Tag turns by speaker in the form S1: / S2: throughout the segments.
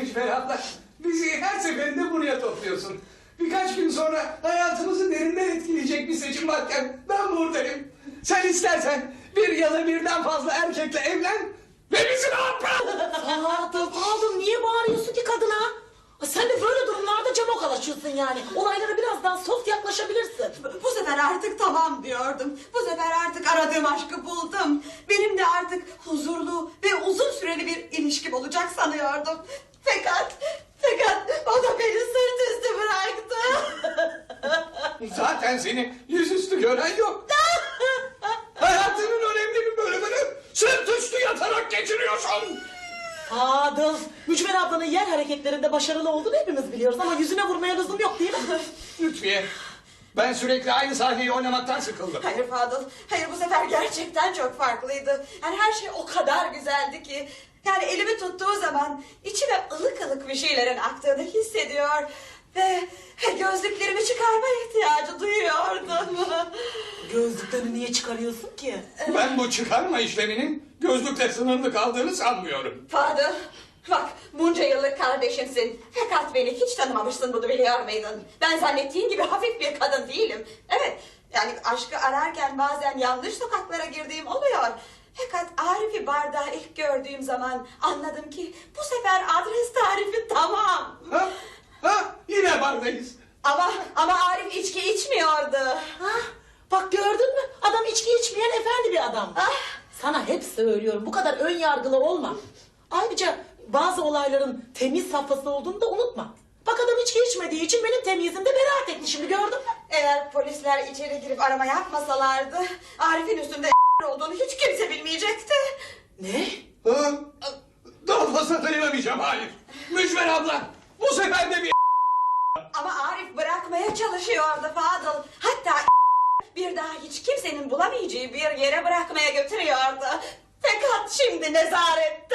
S1: Mücver abla. Bizi her seferinde buraya topluyorsun. Birkaç gün sonra hayatımızı derinden etkileyecek bir seçim varken ben buradayım. Sen istersen bir ya da birden fazla erkekle evlen ve bizi rahat bırak.
S2: Fadıl niye bağırıyorsun ki kadına? Sen de böyle durumlarda cama kalaşıyorsun yani. Olaylara biraz daha soft yaklaşabilirsin.
S3: Bu sefer artık tamam diyordum. Bu sefer artık aradığım aşkı buldum. Benim de artık huzurlu ve uzun süreli bir ilişkim olacak sanıyordum. Fakat o da beni sırt üstü bıraktı.
S1: Zaten seni yüzüstü gören yok. Hayatının önemli bir bölümünü sırt üstü yatarak geçiriyorsun.
S2: Fadıl, Mücver ablanın yer hareketlerinde başarılı olduğunu hepimiz biliyoruz ama yüzüne vurmaya lüzum yok değil mi?
S1: Lütfiye, ben sürekli aynı sahneyi oynamaktan sıkıldım.
S3: Hayır Fadıl, hayır bu sefer gerçekten çok farklıydı. Yani her şey o kadar güzeldi ki. Yani elimi tuttuğu zaman içime ılık ılık bir şeylerin aktığını hissediyor. Ve gözlüklerimi çıkarma ihtiyacı duyuyordum.
S2: Gözlüklerini niye çıkarıyorsun ki?
S1: Ben bu çıkarma işleminin gözlükle sınırlı kaldığını sanmıyorum.
S3: Fadıl, bak bunca yıllık kardeşimsin. Fakat beni hiç tanımamışsın, bunu biliyor muydun? Ben zannettiğin gibi hafif bir kadın değilim. Evet, yani aşkı ararken bazen yanlış sokaklara girdiğim oluyor. Fakat Arif'i barda ilk gördüğüm zaman anladım ki bu sefer adres tarifi tamam.
S1: Yine bardayız.
S3: Ama Arif içki içmiyordu.
S2: Bak gördün mü? Adam içki içmeyen efendi bir adam. Sana hep söylüyorum, bu kadar ön yargılı olma. Ayrıca bazı olayların temiz safhası olduğunu da unutma. Bak adam içki içmediği için benim temizimde beraat etti, şimdi gördün mü?
S3: Eğer polisler içeri girip arama yapmasalardı Arif'in üstünde olduğunu hiç kimse bilmeyecekti.
S2: Ne?
S1: Daha fazla dayanamayacağım, hayır. Mücver abla, bu sefer de bir...
S3: Ama Arif bırakmaya çalışıyordu Fadıl. Hatta bir daha hiç kimsenin bulamayacağı bir yere bırakmaya götürüyordu. Fakat şimdi nezarette.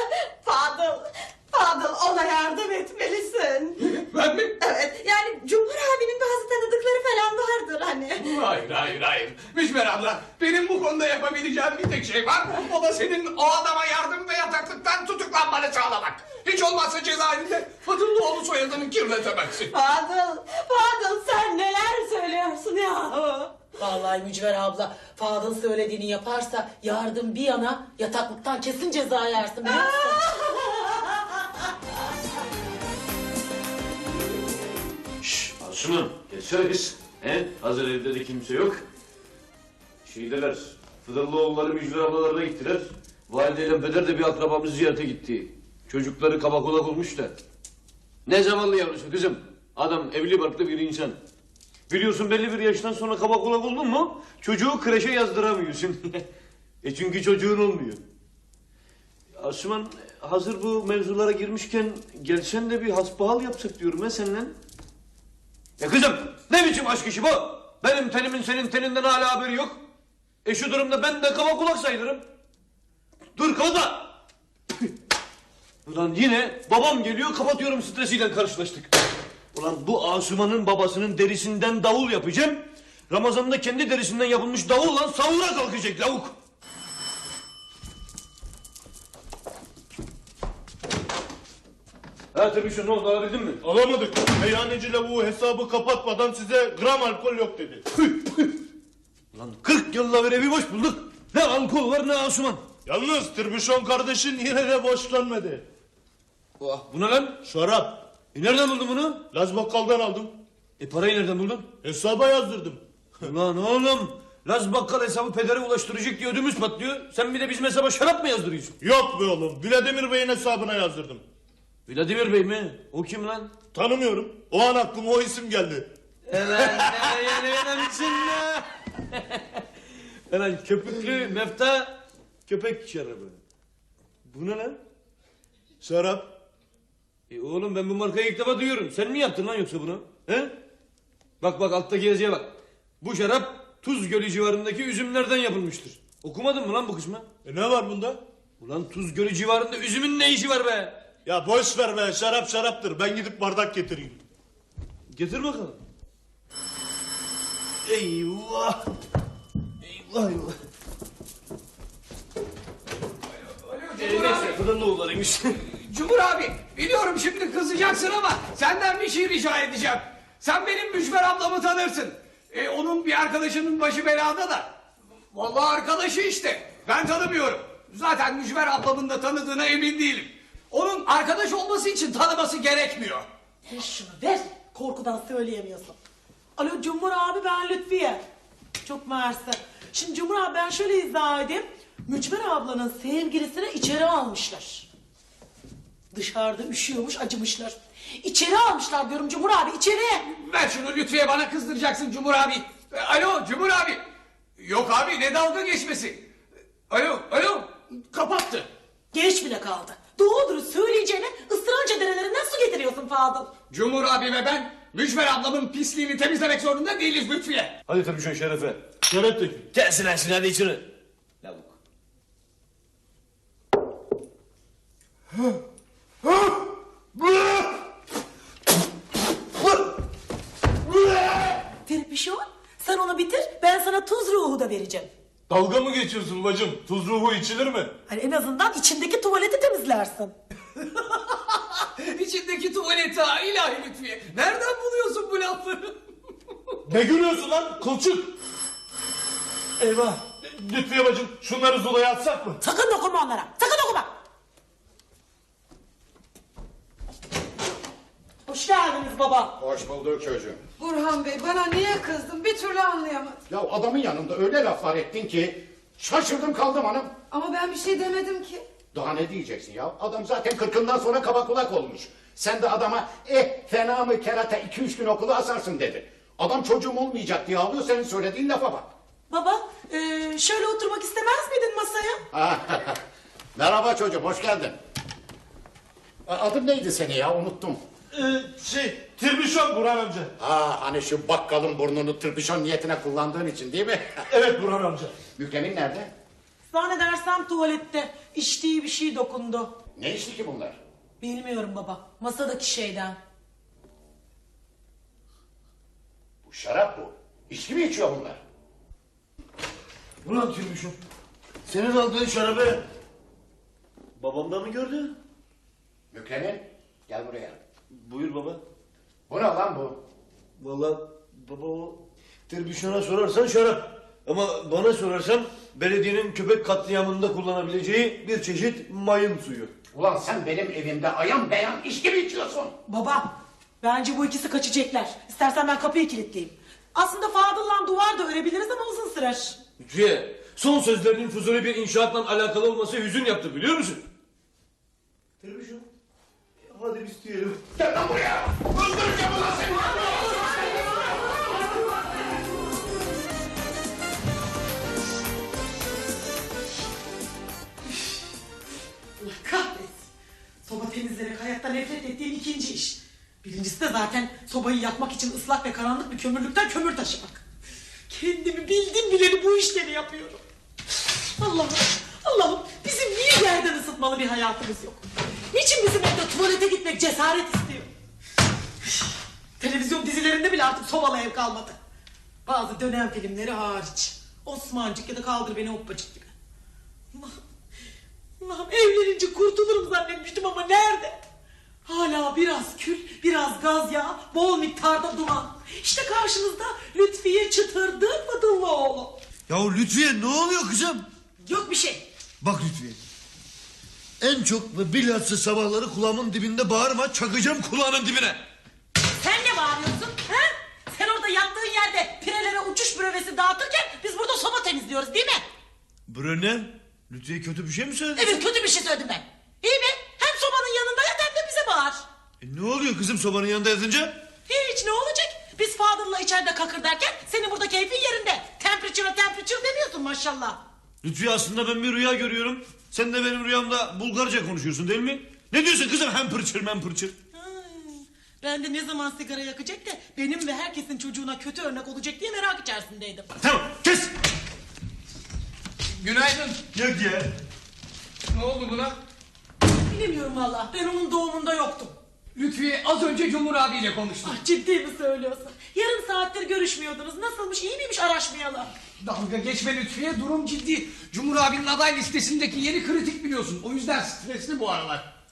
S3: Fadıl ona yardım etmelisin.
S1: Ben mi?
S3: Evet, yani Cumhur abinin bazı tanıdıkları falan vardır hani.
S1: Hayır. Mücver abla, benim bu konuda yapabileceğim bir tek şey var. O da senin o adama yardım ve yataklıktan tutuklanmanı sağlamak. Hiç olmazsa cezaevinde Fadıllıoğlu soyadını kirletemezsin.
S3: Fadıl sen neler söylüyorsun yahu?
S2: Vallahi Mücver abla, Fadıl söylediğini yaparsa yardım bir yana yataklıktan kesin ceza yersin biliyor musun?
S4: Asuman, geçsene kız. Hazır evde de kimse yok. Şeydeler, Fıdırlıoğulları Mücver ablalarına gittiler. Valideyle Peder de bir akrabamız ziyarete gitti. Çocukları kabakulak olmuş da. Ne zamanlı yavrusu kızım? Adam evli barklı bir insan. Biliyorsun belli bir yaştan sonra kabakulak oldun mu çocuğu kreşe yazdıramıyorsun. Çünkü çocuğun olmuyor. Asuman, hazır bu mevzulara girmişken gelsen de bir hasbihal yapsak diyorum ha seninle. Ya kızım, ne biçim aşk işi bu? Benim tenimin senin teninden hala haberi yok. Şu durumda ben de kaba kulak sayılırım. Dur kalma. Ulan yine babam geliyor, kapatıyorum, stresiyle karşılaştık. Ulan bu Asuman'ın babasının derisinden davul yapacağım. Ramazan'da kendi derisinden yapılmış davulla sahura kalkacak lavuk. Ha tabii, ne oldu, alabildin mi?
S5: Alamadık. Meyhaneci lavuğu hesabı kapatmadan size gram alkol yok dedi.
S4: Lan 40 yılla beri bir boş bulduk. Ne alkol var ne Asuman.
S5: Yalnız Tirbüşon kardeşin yine de boşlanmadı.
S4: Oh, bu ne lan?
S5: Şarap.
S4: Nereden buldun bunu?
S5: Laz bakkaldan aldım.
S4: Parayı nereden buldun?
S5: Hesaba yazdırdım.
S4: Ulan oğlum, Laz bakkal hesabı pedere ulaştıracak diye ödümüz patlıyor. Sen bir de bizim hesaba şarap mı yazdırıyorsun?
S5: Yok be oğlum. Vladimir Bey'in hesabına yazdırdım.
S4: Vladimir Bey mi? O kim lan?
S5: Tanımıyorum. O an aklıma o isim geldi.
S4: Lan köpüklü mefta köpek şarabı. Bu ne lan?
S5: Şarap.
S4: Oğlum ben bu markayı ilk defa duyuyorum. Sen mi yaptın lan yoksa bunu? He? Bak alttaki yazıya bak. Bu şarap Tuz Gölü civarındaki üzümlerden yapılmıştır. Okumadın mı lan bu kısmı?
S5: Ne var bunda?
S4: Ulan Tuz Gölü civarında üzümün ne işi var be?
S5: Ya boş ver be, şarap şaraptır. Ben gidip bardak getireyim.
S4: Getir bakalım. Eyvah. Eyvah.
S1: Cumhur abi.
S4: Neyse Fıdırlıoğullarıymış.
S1: Cumhur abi, Biliyorum şimdi kızacaksın ama senden bir şey rica edeceğim. Sen benim Mücver ablamı tanırsın. Onun bir arkadaşının başı belada da. Vallahi arkadaşı işte. Ben tanımıyorum. Zaten Mücver ablamın da tanıdığına emin değilim. Onun arkadaş olması için tanıması gerekmiyor.
S2: Ver şunu ver. Korkudan söyleyemiyorsun. Alo Cumhur abi, ben Lütfiye. Çok mersi. Şimdi Cumhur abi, ben şöyle izah edeyim. Mücver ablanın sevgilisini içeri almışlar. Dışarıda üşüyormuş, acımışlar. İçeri almışlar diyorum Cumhur abi, içeri.
S1: Ver şunu Lütfiye, bana kızdıracaksın Cumhur abi. Alo Cumhur abi. Yok abi, ne dalga geçmesi. Alo kapattı.
S2: Geç bile kaldı. Doğrudur söyleyeceğine ısrarca derelerinden su getiriyorsun Fadıl.
S1: Cumhur abi ve ben Mücver ablamın pisliğini temizlemek zorunda değiliz Lütfiye.
S4: Hadi tabii şu Şerefe.
S5: Şeref dökün.
S4: Gelsin lan hadi içine. Lavuk.
S2: Terpişon, sen onu bitir, ben sana tuz ruhu da vereceğim.
S5: Dalga mı geçiyorsun bacım? Tuz ruhu içilir mi?
S2: Hani en azından içindeki tuvaleti temizlersin.
S1: İçindeki tuvaleti ha ilahi Lütfiye. Nereden buluyorsun bu lafları?
S5: Ne gülüyorsun lan kılçık? Eyvah. Lütfiye bacım şunları Zula'ya atsak mı?
S2: Sakın dokunma onlara, sakın dokunma. Hoş geldiniz baba.
S6: Hoş bulduk çocuğum.
S7: Burhan Bey, bana niye kızdın bir türlü anlayamadım.
S6: Ya adamın yanında öyle laflar ettin ki şaşırdım kaldım hanım.
S7: Ama ben bir şey demedim ki.
S6: Daha ne diyeceksin ya? Adam zaten 40'ından sonra kaba kulak olmuş. Sen de adama fena mı kerata 2-3 gün okulu asarsın dedi. Adam çocuğum olmayacak diye ağlıyor, senin söylediğin lafa bak.
S2: Baba, şöyle oturmak istemez miydin masaya?
S6: Merhaba çocuğum, hoş geldin. Adın neydi senin ya, unuttum.
S5: Tirbişon Burhan amca.
S6: Hani şu bakkalın burnunu tırpışon niyetine kullandığın için değil mi?
S5: Evet Burhan amca.
S6: Mükremin nerede?
S2: Zannedersem tuvalette içtiği bir şey dokundu.
S6: Ne içti ki bunlar?
S2: Bilmiyorum baba, masadaki şeyden.
S6: Bu şarap bu. İçki mi içiyor bunlar?
S4: Ulan Tirbişon. Senin aldığın şarabı babam da mı gördü?
S6: Mükremin, gel buraya.
S4: Buyur baba.
S6: Bu ne lan bu?
S4: Vallahi baba o Tirbişon'a sorarsan şarap. Ama bana sorarsan belediyenin köpek katliamında kullanabileceği bir çeşit mayın suyu.
S6: Ulan sen benim evimde ayan beyan içki mi içiyorsun?
S2: Baba, bence bu ikisi kaçacaklar. İstersen ben kapıyı kilitleyeyim. Aslında Fadıl'la duvar da örebiliriz ama uzun sürer.
S4: Lütfiye, son sözlerinin Fuzuli bir inşaatla alakalı olması hüzün yaptı biliyor musun? Tirbişon, hadi biz diyelim.
S6: Gel lan buraya! Öldüreceğim ulan seni!
S2: Allah kahretsin. Soba temizlemek hayatta nefret ettiğim ikinci iş. Birincisi de zaten sobayı yakmak için ıslak ve karanlık bir kömürlükten kömür taşımak. Kendimi bildim bileli bu işleri yapıyorum. Allah'ım bizim niye yerden ısıtmalı bir hayatımız yok? Niçin bizim evde tuvalete gitmek cesaret istiyor? Televizyon dizilerinde bile artık sobalı ev kalmadı. Bazı dönem filmleri hariç. Osmancık ya da Kaldır Beni Hoppacık gibi. Allah'ım evlenince kurtulurum zannetmiştim ama nerede? Hala biraz kül, biraz gaz yağı, bol miktarda duman. İşte karşınızda Lütfiye Çıtırdı Fadıllıoğlu.
S8: Ya Lütfiye ne oluyor kızım?
S2: Yok bir şey.
S8: Bak Lütfiye. En çok ve bilhassa sabahları kulağımın dibinde bağırma, çakacağım kulağının dibine.
S2: Sen ne bağırıyorsun? Ha? Sen orada yattığın yerde pirelere uçuş brövesi dağıtırken biz burada soba temizliyoruz değil mi?
S8: Bröne, Lütfiye kötü bir şey mi söyledi?
S2: Evet kötü bir şey söyledim ben. İyi mi? Hem sobanın yanında yat hem de bize bağır.
S8: Ne oluyor kızım sobanın yanında yatınca?
S2: Hiç ne olacak? Biz Fadıl'la içeride kakır derken senin burada keyfin yerinde. Temperature demiyorsun maşallah.
S8: Lütfiye aslında ben bir rüya görüyorum. Sen de benim rüyamda Bulgarca konuşuyorsun değil mi? Ne diyorsun kızım hem pırçır?
S2: Ben de ne zaman sigara yakacak da benim ve herkesin çocuğuna kötü örnek olacak diye merak içerisindeydim.
S8: Tamam kes.
S1: Günaydın.
S8: Yok ya.
S1: Ne oldu buna?
S2: Bilemiyorum valla, ben onun doğumunda yoktum.
S1: Lütfiye az önce Cumhur abiyle konuştum.
S2: Ah, ciddi mi söylüyorsun? Yarım saattir görüşmüyordunuz. Nasılmış, iyi miymiş araşmayalım.
S1: Dalga geçme Lütfiye, durum ciddi. Cumhur abinin aday listesindeki yeri kritik biliyorsun. O yüzden stresli bu aralar.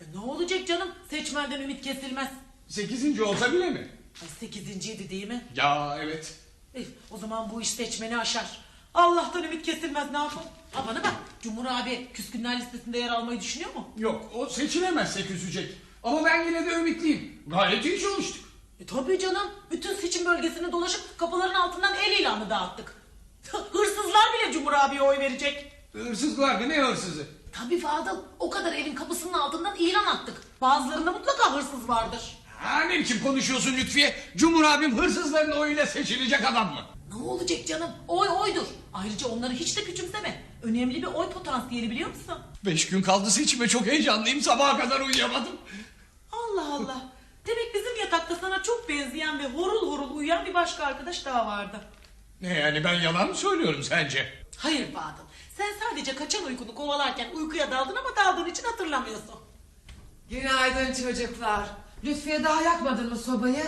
S2: Ne olacak canım? Seçmenden ümit kesilmez.
S1: 8. olsa bile mi?
S2: Ay 8.'ydi değil mi?
S1: Ya evet.
S2: O zaman bu iş seçmeni aşar. Allah'tan ümit kesilmez, ne yapalım? Ha bana bak, Cumhur abi küskünler listesinde yer almayı düşünüyor mu?
S1: Yok, o seçilemezse küsecek. Ama ben yine de ümitliyim. Gayet iyi çalıştık.
S2: Tabii canım. Bütün seçim bölgesini dolaşıp kapıların altından el ilanı dağıttık. Hırsızlar bile Cumhur abiye oy verecek.
S1: Hırsızlar mı? Ne hırsızı?
S2: Tabii Fadıl, o kadar evin kapısının altından ilan attık. Bazılarında mutlaka hırsız vardır.
S1: Ha, ne biçim konuşuyorsun Lütfiye? Cumhur abim hırsızların oyuyla seçilecek adam mı?
S2: Ne olacak canım? Oy oydur. Ayrıca onları hiç de küçümseme. Önemli bir oy potansiyeli, biliyor musun?
S1: 5 gün kaldı seçime, çok heyecanlıyım. Sabaha kadar uyuyamadım.
S2: Allah Allah. Demek bizim yatakta sana çok benzeyen ve horul horul uyuyan bir başka arkadaş daha vardı.
S1: Ne yani, ben yalan mı söylüyorum sence?
S2: Hayır Fadıl. Sen sadece kaçan uykunu kovalarken uykuya daldın ama daldığın için hatırlamıyorsun.
S7: Günaydın çocuklar. Lütfiye daha yakmadın mı sobayı?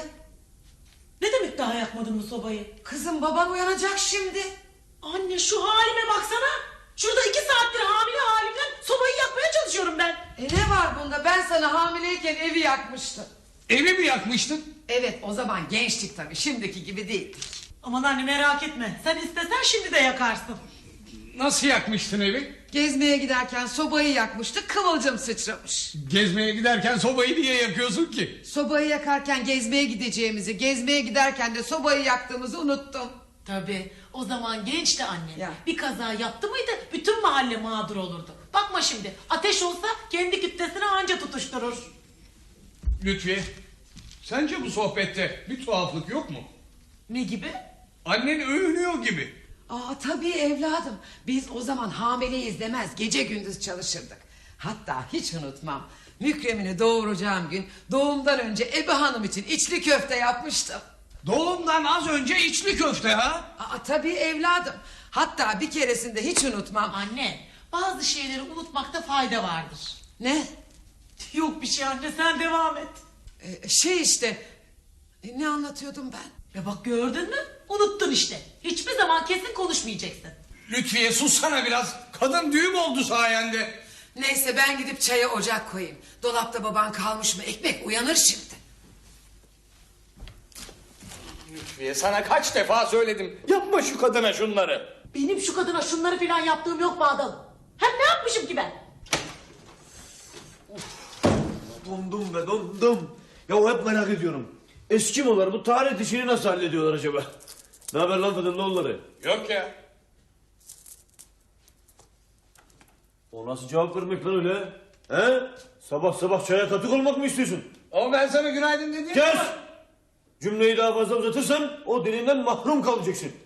S2: Ne demek daha yakmadın mı sobayı?
S7: Kızım baban uyanacak şimdi.
S2: Anne şu halime baksana. Şurada 2 saattir hamile halimden sobayı yakmaya çalışıyorum ben.
S7: Ne var bunda? Ben sana hamileyken evi yakmıştım.
S1: Evi mi yakmıştın?
S7: Evet, o zaman gençtik tabii. Şimdiki gibi değildik.
S2: Aman anne merak etme. Sen istesen şimdi de yakarsın.
S1: Nasıl yakmıştın evi?
S7: Gezmeye giderken sobayı yakmıştık, kıvılcım sıçramış.
S1: Gezmeye giderken sobayı niye yakıyorsun ki?
S7: Sobayı yakarken gezmeye gideceğimizi, gezmeye giderken de sobayı yaktığımızı unuttum.
S2: Tabii. O zaman gençti anne.
S7: Ya.
S2: Bir kaza yaptı mıydı bütün mahalle mağdur olurdu. Bakma şimdi. Ateş olsa kendi kütlesine anca tutuşturur.
S1: Lütfiye, sence bu sohbette bir tuhaflık yok mu?
S2: Ne gibi?
S1: Annen övünüyor gibi.
S7: Tabii evladım. Biz o zaman hamileyiz demez, gece gündüz çalışırdık. Hatta hiç unutmam. Mükremini doğuracağım gün doğumdan önce Ebe Hanım için içli köfte yapmıştım.
S1: Doğumdan az önce içli köfte ha?
S7: Tabii evladım. Hatta bir keresinde hiç unutmam.
S2: Anne, bazı şeyleri unutmakta fayda vardır.
S7: Ne?
S2: Yok bir şey anne, sen devam et.
S7: Ne anlatıyordum ben?
S2: Ya bak gördün mü? Unuttun işte. Hiçbir zaman kesin konuşmayacaksın.
S1: Lütfiye sussana biraz. Kadın düğüm oldu sayende.
S7: Neyse ben gidip çaya ocak koyayım. Dolapta baban kalmış mı ekmek uyanır şimdi.
S1: Lütfiye, sana kaç defa söyledim. Yapma şu kadına şunları.
S2: Benim şu kadına şunları falan yaptığım yok Badal. Hem ne yapmışım ki ben?
S8: Dondum be dondum. Ya hep merak ediyorum. Eskimolar bu taharet işini nasıl hallediyorlar acaba? Ne haber lan Fıdırlıoğulları?
S1: Yok ya.
S8: O nasıl cevap vermek lan öyle? He? Sabah sabah çaya katık olmak mı istiyorsun?
S1: Ama ben sana günaydın dedim.
S8: Kes! Cümleyi daha fazla uzatırsan o dilinden mahrum kalacaksın.